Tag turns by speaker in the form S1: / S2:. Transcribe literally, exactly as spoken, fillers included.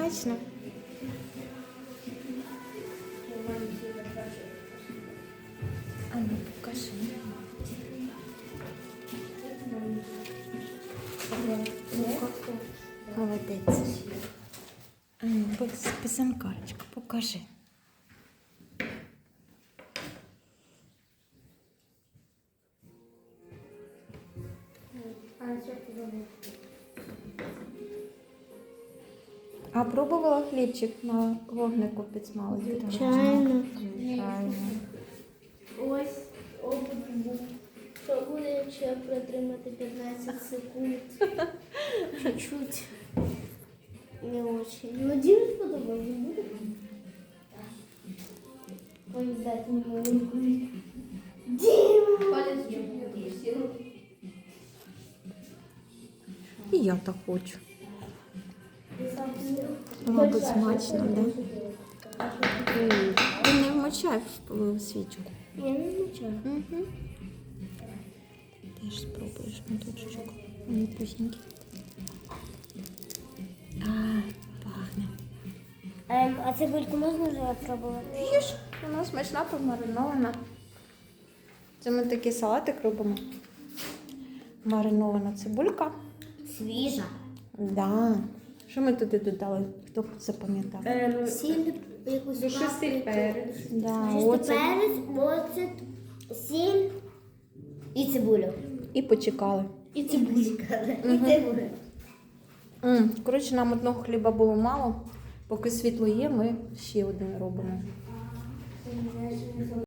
S1: смачно. А ну, покажи. Молодець. А ну, писанкарочка, покажи. А пробувала хлібчик на вогнику підсмалити?
S2: Звичайно.
S1: Звичайно.
S2: Ось опит був. Що буде, якщо протримати п'ятнадцять секунд? Чуть-чуть. Не очень. Ну, Дімі сподобається, буде? Ой, дайте мені. Діма! Палець чуть
S1: І я так хочу. Мабуть, смачно, да? Ти не вмочай в свічку.
S2: Я не вмічаю.
S1: Угу. Теж спробуєш моточок. Вони вкусненькі. А, пахне.
S2: Ем, а цибульку можна вже пробувати?
S1: Їж, вона смачна, помаринована. Це ми такий салатик робимо. Маринована цибулька.
S2: Свіжа.
S1: Да. Що ми туди додали? Хто запам'ятав?
S2: Ем, сіль, якусь
S3: Душистий перець.
S1: Да,
S2: Чистий
S1: оцет.
S2: перець, оцет, сіль і цибулю.
S1: І почекали.
S2: І цибулю. І цибулю.
S1: М, Коротше, нам одного хліба було мало. Поки світло є, ми ще один робимо.